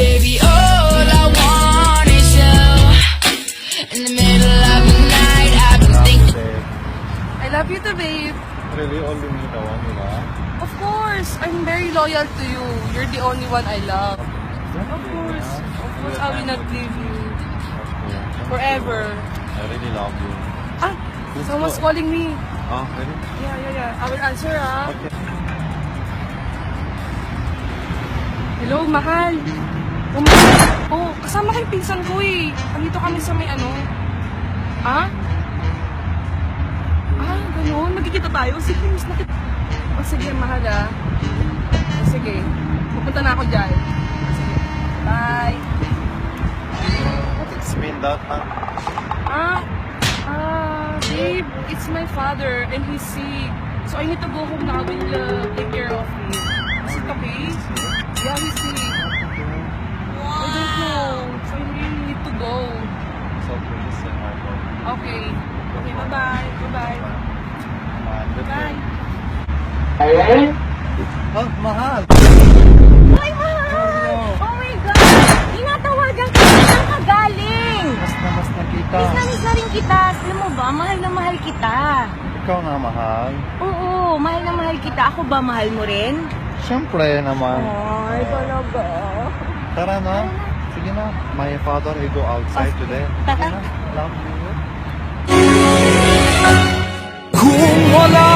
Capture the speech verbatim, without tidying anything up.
baby, all I want is you. In the middle of the night, I've been thinking. I love you too, babe. Really, only me the one, you know? Of course, I'm very loyal to you. You're the only one I love. Of course, of course, I will not leave you forever. I really love you. Ah, someone's calling me. Oh, really? Yeah, yeah, yeah. I will answer, ah. Okay. Hello, mahal. Oh, mahal. Oh, kasama ko yung pinsan ko eh. Andito kami sa may ano. Ah? Ah, ganun. Magkikita tayo. Sige, miss na kita. Oh, sige, mahal ah. Oh, sige. Pupunta na ako dyan. Oh, sige. Bye. What it's mean that, huh? Ah, ah, babe, it's my father and he's sick. So I need to go home now. I will uh, take care of him. Is it okay? Yeah, he's sick. I don't know. So I really need to go. So please say my God. Okay. Okay, bye-bye. Bye-bye. Bye. Oh, mahal! Ay, mahal! Oh my God! Tinatawagan ka na saan ka galing? Mas na mas nakita. Miss na miss na rin kita. Alam mo ba, mahal na mahal kita. Ikaw na mahal. Oo, mahal na mahal kita. Ako ba, mahal mo rin? Siyempre naman. Ay, talaga. Tara na. Sige na. My father will go outside today. Tara. Sige na. Love you. Kung wala